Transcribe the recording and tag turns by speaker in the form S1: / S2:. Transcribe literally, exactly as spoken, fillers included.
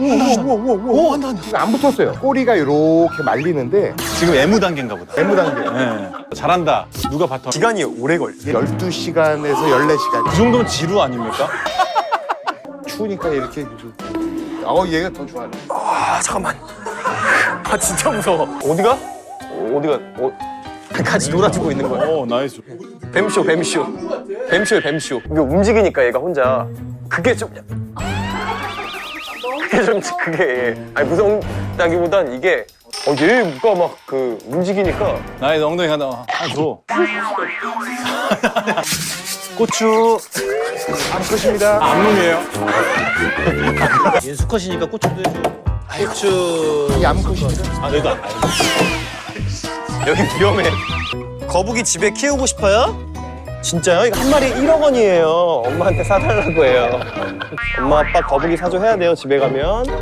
S1: 우와 우와 우와 한다 한다.
S2: 지금 안 붙었어요. 꼬리가 이렇게 말리는데
S1: 지금 애무 단계인가 보다.
S2: 애무 단계.
S1: 네. 잘한다. 누가 바텀?
S3: 시간이 오래 걸려.
S2: 열두 시간에서 열네 시간.
S1: 그 정도면 지루 아닙니까?
S2: 추우니까 이렇게. 어 얘가 더 좋아하네.
S3: 아 잠깐만. 아 진짜 무서워. 어디가? 어디가? 어, 같이 놀아주고 있는 거야.
S1: 오 나이스.
S3: 뱀쇼 뱀쇼. 뱀쇼야 뱀쇼. 이게 움직이니까 얘가 혼자. 그게 좀. 그게 좀 그게 아니 무섭다기보단 이게 어 얘가 막 그 움직이니까.
S1: 나의 엉덩이 하나 하나 줘. 고추.
S2: 암컷입니다.
S1: 암놈이에요.
S4: 얘 수컷이니까 고추도 해줘. 고추.
S2: 이 암컷입니다.
S1: 아 너희도 안.
S3: 여기 위험해. 거북이 집에 키우고 싶어요? 진짜요? 이거 한 마리 일억 원이에요. 엄마한테 사달라고 해요. 엄마 아빠 거북이 사줘 해야 돼요 집에 가면.